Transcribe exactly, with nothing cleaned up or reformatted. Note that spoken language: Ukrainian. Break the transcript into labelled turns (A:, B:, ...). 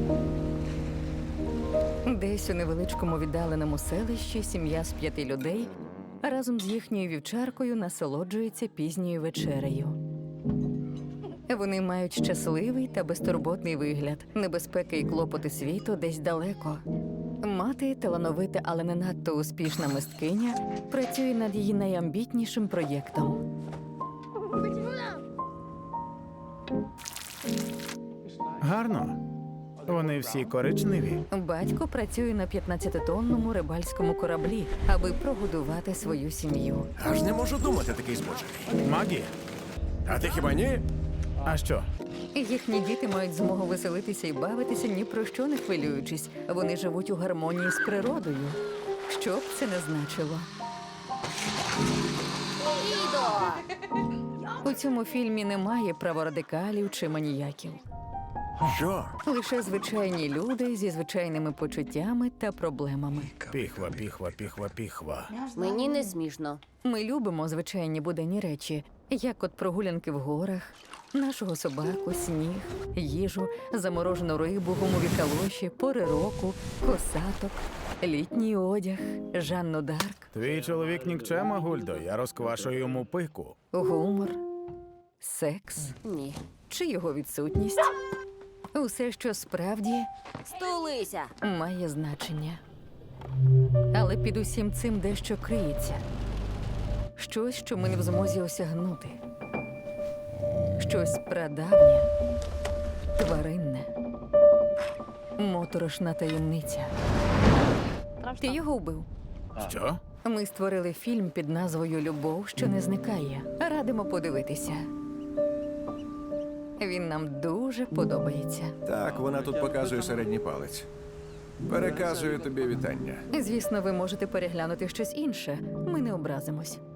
A: Десь у невеличкому віддаленому селищі сім'я з п'яти людей разом з їхньою вівчаркою насолоджується пізньою вечерею. Вони мають щасливий та безтурботний вигляд. Небезпеки і клопоти світу десь далеко. Мати, талановита, але не надто успішна мисткиня, працює над її найамбітнішим проєктом.
B: Гарно. Вони всі коричневі.
A: Батько працює на п'ятнадцятитонному рибальському кораблі, аби прогодувати свою сім'ю.
C: Аж не можу думати, такий збочений.
B: Магі?
C: А ти хіба ні?
B: А що?
A: Їхні діти мають змогу веселитися і бавитися, ні про що не хвилюючись. Вони живуть у гармонії з природою. Що б це не значило. У цьому фільмі немає праворадикалів чи маніяків.
C: Що?
A: Лише звичайні люди зі звичайними почуттями та проблемами.
B: Піхва, піхва, піхва, піхва.
D: Мені не смішно.
A: Ми любимо звичайні буденні речі, як от прогулянки в горах, нашого собаку, сніг, їжу, заморожену рибу, гумові калоші, пори року, косаток, літній одяг, Жанну Дарк,
B: Твій чоловік нікчема, Гульдо, я розквашую йому пику.
A: гумор, секс
D: Ні.
A: чи його відсутність. Усе, що справді
D: Стулися!
A: має значення. Але під усім цим дещо криється. Щось, що ми не в змозі осягнути. Щось прадавнє, тваринне, моторошна таємниця. Ти його вбив.
B: Що?
A: Ми створили фільм під назвою «Любов, що не зникає». Радимо подивитися. Він нам дуже подобається.
C: Так, вона тут показує середній палець. Переказую тобі вітання.
A: Звісно, ви можете переглянути щось інше. Ми не образимось.